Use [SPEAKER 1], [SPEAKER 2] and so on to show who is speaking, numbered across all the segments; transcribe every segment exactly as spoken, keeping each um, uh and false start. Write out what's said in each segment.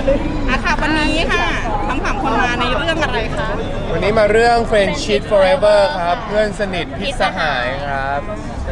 [SPEAKER 1] อ่ะค่ะวันนี้ค่ะทั้งสามคนมาในเรื่องอะไรคะ
[SPEAKER 2] วันนี้มาเรื่อง Friendship Forever ครับเพื่อนสนิทพิษสหายครับ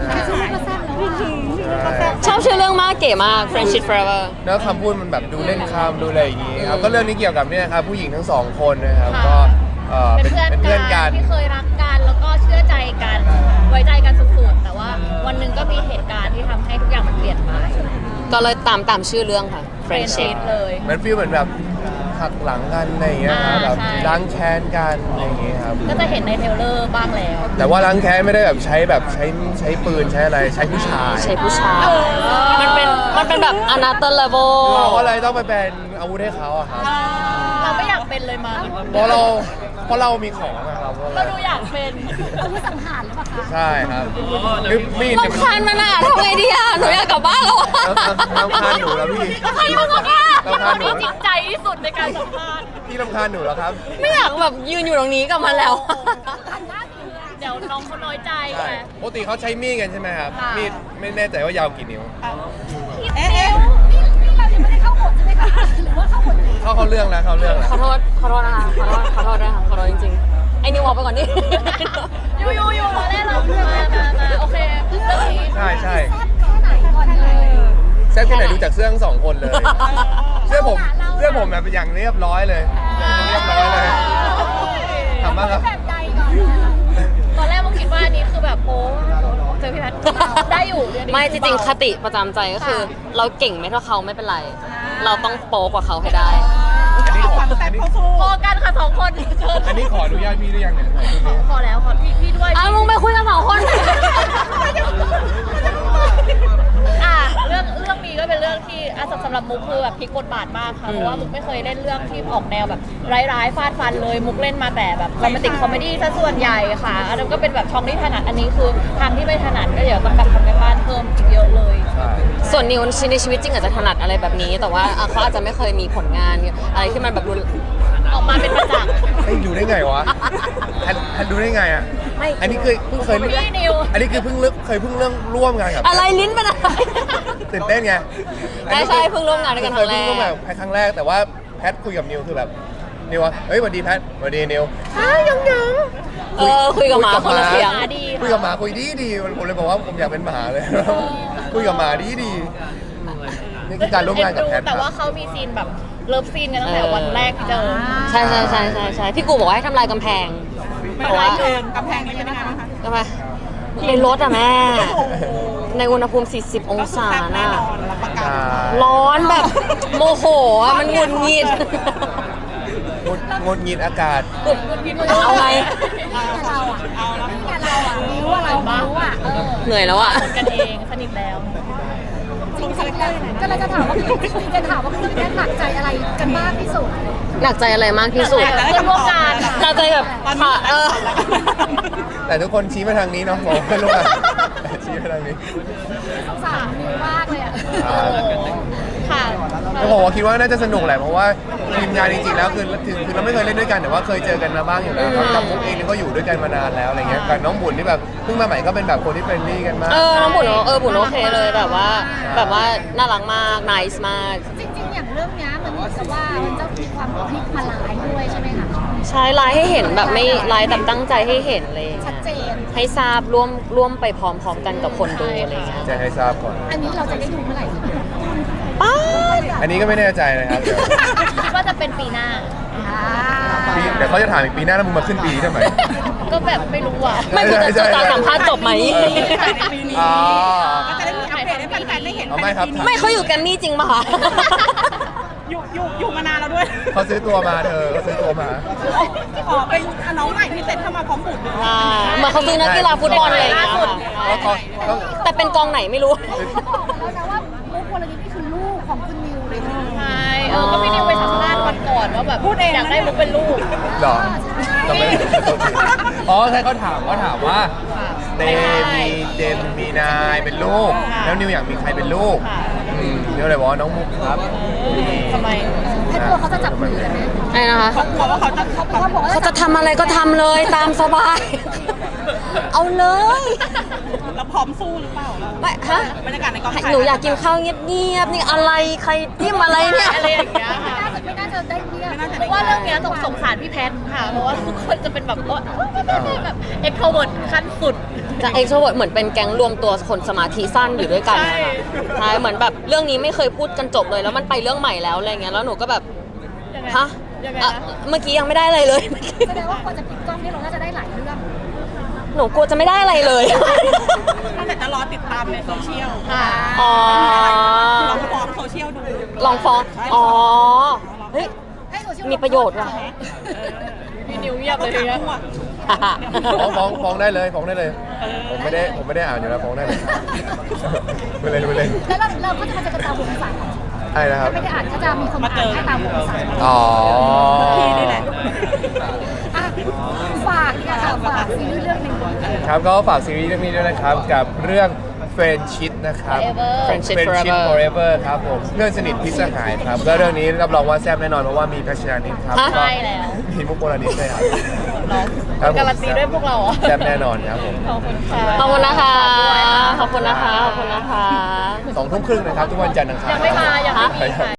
[SPEAKER 3] ชอบชื่อเรื่องมากเก๋มาก Friendship Forever
[SPEAKER 2] แล้วคำพูดมันแบบดูเล่นคำดูอะไรอย่างงี้ครับก็เรื่องนี้เกี่ยวกับเนี่ยครับผู้หญิงทั้งสองคนนะครับก็เอ่อ
[SPEAKER 4] เป็น
[SPEAKER 2] เป็น
[SPEAKER 4] เพื่อน
[SPEAKER 2] เป็นเพื่อน
[SPEAKER 4] กั
[SPEAKER 2] กัน น
[SPEAKER 4] ที่เคยรักกันแล้วก็เชื่อใจกันไว้ใจกันสุดๆแต่ว่าวันหนึ่งก็มีเหตุการณ์ที่ทำให้ทุกอย่างมันเปลี่ยนไป
[SPEAKER 3] ก็เลยตามตามชื่อเรื่องค่ะ
[SPEAKER 4] Friendship เลย
[SPEAKER 2] มันฟีลเหมือนแบบหักหลังกันอะไรอย่างเงี้ยครับ
[SPEAKER 4] อ่า
[SPEAKER 2] แบบ
[SPEAKER 4] ใช่
[SPEAKER 2] ล้างแค้นกันอะไรอย่างเงี้ยครับ
[SPEAKER 4] ก็จะเห็นในเทรลเลอร์บ้างแล้ว
[SPEAKER 2] แต่ว่าล้างแค้นไม่ได้แบบใช้แบบใช้ใช้ปืนใช้อะไรใช้ผู้ชาย
[SPEAKER 3] ใช่ผู้ชาย มันเป็นมันเป็นแบบ another level
[SPEAKER 2] เราก็เลยต้องไปเป็นอาวุธให้เขาอะครับ
[SPEAKER 4] เราไม่อยากเป็นเลยมา
[SPEAKER 2] เพราะเราเพราะเรามีของอะครับ
[SPEAKER 4] เราดูอยากเป็น
[SPEAKER 5] อาวุธสังหารหรือเปล่าคะ
[SPEAKER 2] ใช่ครับนึกมีด
[SPEAKER 3] รำคาญมันอ่ะทำไงดีอ่ะ หนูอยากกลับบ้านแล้วอ่ะ
[SPEAKER 2] น้ำคาญหนูแล้วพี่
[SPEAKER 4] ใครมาบอกว่า
[SPEAKER 2] รำคาญหนู
[SPEAKER 4] ที่จริงใจที่สุดในการสัมภาษณ์
[SPEAKER 2] พี่รำคาญหนูแล้วครับ
[SPEAKER 3] ไม่อยากแบบยืนอยู่ตรงนี้กับมันแล้ว
[SPEAKER 4] เดี๋ยวน้องเขาน้อยใจ
[SPEAKER 2] ใช่
[SPEAKER 4] ไง
[SPEAKER 2] ปกติเขาใช้มีดกันใช่ไหมครับ
[SPEAKER 4] ค่ะ
[SPEAKER 2] มีดไม่แน่ใจว่ายาวกี่นิ้ว
[SPEAKER 1] เอ๊ะเอ๊ะ
[SPEAKER 5] นี่นี่เรายังไม่ได้เข้าบทใช่ไหมคะหรือว่าเข้าบทนี้
[SPEAKER 2] เข้าเขาเรื่องแล้วเขาเรื่องแล้ว
[SPEAKER 3] ขอโทษ ขอโทษนะคะ ขอโทษ ขอโทษด้วยค่ะ ขอโทษจริงๆ ไอ้นิวออกไปก่อนดิ
[SPEAKER 4] อยู่อยู่อยู่เราได้เรามามามาโอเคเรื่องนี้
[SPEAKER 2] ใช่ใช่
[SPEAKER 5] แซ่บแค่ไหนก่อนเลย
[SPEAKER 2] แซ่บแค่ไหนดูจากเสื้อทั้งสองคนเลย เสื้อผมเสื้อผมแบบอย่างเรียบร้อยเลยเรียบร้อยเลยทำบ้างครับ
[SPEAKER 5] แบบใดก่อน
[SPEAKER 4] ตอนแรกมึงคิดว่าอันนี้คือแบบโป๊เจอพี่แพทได้อยู่เรื่องนี้
[SPEAKER 3] ไม่จริงๆ คติประจำใจก็คือ เราเก่งไม่เท่าเขาไม่เป็นไร เราต้องโป๊กว่าเขาให้ได้
[SPEAKER 2] อันนี้ขอ
[SPEAKER 1] ความ
[SPEAKER 2] อั
[SPEAKER 1] แซ่
[SPEAKER 2] น
[SPEAKER 1] บ
[SPEAKER 2] นี้
[SPEAKER 1] เข้าสู้
[SPEAKER 4] พอกันค่ะสองคนเชิญ
[SPEAKER 2] อันนี้ขออนุญาตพี่หรือยังเนี่ย
[SPEAKER 4] พอแล้วขอพี่พี่ด้วย
[SPEAKER 3] อ้าวมึงไปคุยกันสองคน
[SPEAKER 4] อ่ะเรื่องเรื่องนี้ก็เป็นเรื่องที่อ่ะสำหรับมุกคือแบบพลิกบทบาทมากค่ะเพราะว่ามุกไม่เคยเล่นเรื่องที่ออกแนวแบบร้ายๆฟาดฟันเลยมุกเล่นมาแต่แบบโรแมนติกคอมเมดี้ซะส่วนใหญ่ค่ะอันนั้นก็เป็นแบบช่องที่ถนัดอันนี้คือทางที่ไม่ถนัดก็เดี๋ยวต้องแบบทำกันบ้านเพิ่มอีกเยอะเลย
[SPEAKER 2] ใช่
[SPEAKER 3] ส่วนนิวในชีวิตจริงอาจจะถนัดอะไรแบบนี้ แต่ว่าอ่ะเขาอาจจะไม่เคยมีผลงานอะไรที่มันแบบรุน
[SPEAKER 4] ออกมาเป็นประจักษ์
[SPEAKER 2] ไอ้ดูได้ไงวะทันทันดูได้ไงอ่ะ
[SPEAKER 3] ไม่
[SPEAKER 2] อันนี้เคยเพิ่งเคย
[SPEAKER 4] พี่นิว
[SPEAKER 2] อันนี้คือเพิ่งเลิกเคยเพิ่งเรื่องร่วมงานกับ
[SPEAKER 3] อะไรลิ้นเป็นอะไร
[SPEAKER 2] ตื่นเต้นไง
[SPEAKER 3] ใช่ใช่เพิ่งร่วมงานด้วยกันครั้งแรก
[SPEAKER 2] เคยเพิ่งร่วมงานกับแพทครั้งแรกแต่ว่าแพทคุยกับนิวคือแบบนิวว่าเฮ้ยสวัสดีแพทสวัสดีนิวอ้าวยังยัง
[SPEAKER 3] เออคุยกับหมาคนละเสียง
[SPEAKER 4] ดี
[SPEAKER 2] คุยกับหมาคุยดีดีผมเลยบอกว่าผมอยากเป็นหมาเลย คุยกับหมาดีดีนี่คือการร่วมงานกับแพท
[SPEAKER 4] แต่ว่าเขามีซีนแบบเลิฟซีนกันตั้งแต่วันแรกที่เจอ
[SPEAKER 3] ใช่ใช่ใช่ใช่ใช่พี่กูบอกว่าให้ทำลายกำแพง
[SPEAKER 1] ไม่
[SPEAKER 3] เพราะ
[SPEAKER 1] ได้
[SPEAKER 3] ว่า
[SPEAKER 1] เกินกำแพงนี้เป็นยังไงบ้างคะ
[SPEAKER 3] กำแพงในรถอะแม่ ในอุณหภูมิ สี่สิบ องศา
[SPEAKER 1] แซ่บแน่
[SPEAKER 3] น่ะ
[SPEAKER 1] นอนรับประกัน
[SPEAKER 2] อ่า
[SPEAKER 3] ร้อนแบบโมโหอะมันหงุดหงิด
[SPEAKER 2] งดงดงิดอากาศ
[SPEAKER 3] เอาไง
[SPEAKER 5] เราอ่ะ
[SPEAKER 1] เอาแล้ว
[SPEAKER 5] เนี่ยเราอ่ะนิ้วอ่ะเรานิ้วอ่ะเออ
[SPEAKER 3] เหนื่อยแล้วอะ
[SPEAKER 4] กันเองสนิทแล้ว
[SPEAKER 5] จริงๆแล้วก็เราจะถามว่าคือจะถามว่าคุณแม่หนักใจอะไรกันมากที่สุด
[SPEAKER 3] หนักใจอะไรมากที่สุด
[SPEAKER 4] เพื่อนร่วมงาน
[SPEAKER 3] หนักใจแบบค่ะเออ
[SPEAKER 2] แต่ทุกคนชี้มาทางนี้เนาะผมไม่รู้อะชี้มาทางนี้
[SPEAKER 5] สงสารนิ้วมากเลยอ่ะ
[SPEAKER 2] อ่า
[SPEAKER 4] ค่ะ
[SPEAKER 2] ก็ผมว่าคิดว่าน่าจะสนุกแหละเพราะว่าทีมงานจริงๆแล้วคือถึงคือเราไม่เคยเล่นด้วยกันแต่ว่าเคยเจอกันมาบ้างอยู่แล้วครับกับมุกเองนี่ก็อยู่ด้วยกันมานานแล้วอะไรเงี้ยกับน้องบุญที่แบบเพิ่งมาใหม่ก็เป็นแบบคนที่เฟรนลี่กันมาก
[SPEAKER 3] เออน้องบุญเออบุญโอเคเลยแบบว่า แบบว่าน่ารักมากน c e มาก
[SPEAKER 5] จริงๆอย่างเรื่องเนี้ยมันเหมือนกับว่ามันจะมีความพลิกมาหลายด้วยใช่ไหมคะ
[SPEAKER 3] ใช้ไลน์ให้เห็นแบบไม่ไลน์แบบตั้งใจให้เห็นเลย
[SPEAKER 5] ชัดเจน
[SPEAKER 3] ให้ทราบร่วมร่วมไปพร้อมๆกันกับคนดูอะไรเงี้ย
[SPEAKER 2] แจ้งให้ทราบก่อน
[SPEAKER 5] อันนี้เราจะได้ดูเมื่อไหร่
[SPEAKER 3] ป้า
[SPEAKER 2] อันนี้ก็ไม่แน่ใจนะครับเดี๋ยว
[SPEAKER 4] คิดว่าจะเป็นปีหน้า
[SPEAKER 5] อ่า
[SPEAKER 2] ปีเดี๋ยวเขาจะถามอีกปีหน้าแล้วมึงมาขึ้นปีนี้ทำไม
[SPEAKER 4] ก็แบบไม่รู้อ่ะ
[SPEAKER 3] ไม่คุณจะ
[SPEAKER 2] ใช่
[SPEAKER 3] จะ
[SPEAKER 2] ใช่
[SPEAKER 3] สัมภาษณ์จบไหม
[SPEAKER 1] ถ่ายในปีนี้
[SPEAKER 2] อ๋อ
[SPEAKER 1] ก็จะได้มีอัปเดตให้แฟนๆได้เห็น
[SPEAKER 2] เอาไม่ครับ
[SPEAKER 3] ไม่เขาอยู่แกรมมี่จริงป่ะคะ
[SPEAKER 1] อยู่อยู่อยู่มานานแล้วด้วย
[SPEAKER 2] เขาซื้อตัวมาเธอเขาซื้อตัวมา
[SPEAKER 1] อ๋อเป็นน้องใหม่ที่เซ็ตเข้ามาพร้อมบุญด้วย
[SPEAKER 3] อ่าเหมือนเขาซื้อนักกีฬาฟุตบอลอะไรอย่างเงี้ยค่ะ
[SPEAKER 2] ก็ก็ก็
[SPEAKER 3] แต่เป็นกองไหนไม่รู้
[SPEAKER 5] เขาบอกมาแล้วนะว่ามุกวลนิธินี่คือลูกของคุณนิวเลยนะ
[SPEAKER 4] ใช่ เออ ก็พี่นิวไปสัมภาษณ์วันก่อนว่าแบบอยากได้มุกเป็นลูก
[SPEAKER 2] เหรอจำไม่ได้อ๋อใช่เขาถามเขาถามว่าเตมีเจมมีนายเป็นลูก แล้วนิวอยากมีใครเป็นลูก
[SPEAKER 4] ค่ะ
[SPEAKER 2] อืมนิวเลยบอกว่าน้องมุกครับ
[SPEAKER 4] ทำไม
[SPEAKER 5] ให้ตัวเขาจะจับมือกันไหม
[SPEAKER 3] ไอ้นะคะ
[SPEAKER 1] เขากลัวว่าเขาจะ
[SPEAKER 5] เขาบอกว่า
[SPEAKER 3] เขาจะทำอะไรก็ทำเลยตามสบาย เอาเลย
[SPEAKER 1] เราพร้อมสู้หรือเปล่าเรา
[SPEAKER 3] ไม่ฮะ
[SPEAKER 1] บรรยากาศในกองถ่าย
[SPEAKER 3] หนูอยากกินข้าวเงียบๆนี่อะไรใครจิ้มอะไรเนี่ย
[SPEAKER 4] อะไรอย่างเงี้ยค่ะ
[SPEAKER 5] น่าจะจะได้เนี่ย
[SPEAKER 4] เพราะว่าเรื่องเนี้ยต้องสงสารพี่แพทค่ะ เพราะว่าทุกคนจะเป็นแบบว่าแบบเอ็กโทรเวิร์ดขั้นสุด
[SPEAKER 3] จะเอ็กโทรเวิร์ดเหมือนเป็นแก๊งรวมตัวคนสมาธิสั้นอยู่ด้วยกันนะคะ
[SPEAKER 4] ใช่
[SPEAKER 3] ใช่เหมือนแบบเรื่องนี้ไม่เคยพูดกันจบเลยแล้วมันไปเรื่องใหม่แล้วอะไรเงี้ยแล้วหนูก็แบบ
[SPEAKER 4] ยังไง
[SPEAKER 3] ฮะ
[SPEAKER 4] ยังไง
[SPEAKER 3] อ่ะ
[SPEAKER 4] นะ
[SPEAKER 3] เมื่อกี้ยังไม่ได้อะไรเลย
[SPEAKER 5] แสดงว่าคนจะปิดกล้องนี่เราน่าจะได้หลายเรื่อง
[SPEAKER 3] หนูกลัวจะไม่ได้อะไรเลย
[SPEAKER 1] ตั้งแต่จะรอติดตามในโซเชียล
[SPEAKER 4] ค่ะ
[SPEAKER 3] อ๋อ
[SPEAKER 1] ลองฟ้องโซเชียลดู
[SPEAKER 3] ลองฟ้องอ๋อเฮ้ย
[SPEAKER 5] ให้โซเชียล
[SPEAKER 3] มีประโยชน์ว่ะ
[SPEAKER 4] พี่นิวเงียบเลยทีเนี้ย
[SPEAKER 2] ฟ้องฟ้องฟ้องได้เลยฟ้องได้เลย ผมไม่ได้ผมไม่ได้อ่านอยู่แล้วฟ้องได้เลยไปเลยไปเลย
[SPEAKER 5] แล้วเราเราก็จะมาเจอกันตามวงสาย
[SPEAKER 2] ใช่นะครับ
[SPEAKER 5] ไม่ได้อ่านก็จะมีคนมาอ่านให้ตามวงสาย
[SPEAKER 2] อ๋อ
[SPEAKER 1] พี่นี่แหละ
[SPEAKER 5] อ่ะฝากเนี่ยค่ะฝากซีรีส์เรื่องหนึ่ง
[SPEAKER 2] ครับก็ฝากซีรีส์เรื่องนี้ด้วยนะครับกับเรื่อง Friendship นะครับ
[SPEAKER 4] Forever
[SPEAKER 3] Friendship
[SPEAKER 2] Friendship
[SPEAKER 3] Forever
[SPEAKER 2] Forever ครับผมเพื่อนสนิทพิษสหายครับก็เรื่องนี้รับรองว่าแซ่บแน่นอนเพราะว่ามีพัชรานิดครับ
[SPEAKER 3] ฮะ
[SPEAKER 2] ก็
[SPEAKER 4] ใช่แล้ว
[SPEAKER 2] มีมุกโบราณิดด้วยครับ
[SPEAKER 4] เนาะ
[SPEAKER 2] ครับผม
[SPEAKER 4] การันตีด้วยพวกเราเหรอ
[SPEAKER 2] แซ่บแน่นอนครับผม
[SPEAKER 4] ขอบคุณค่ะ
[SPEAKER 3] ขอบคุณนะคะ ขอบคุณนะคะ ขอบคุณนะคะ
[SPEAKER 2] สองทุ่มครึ่งนะครับทุกวันจันทร์อังคาร
[SPEAKER 4] ยังไม่มายังไม่มีค่ะ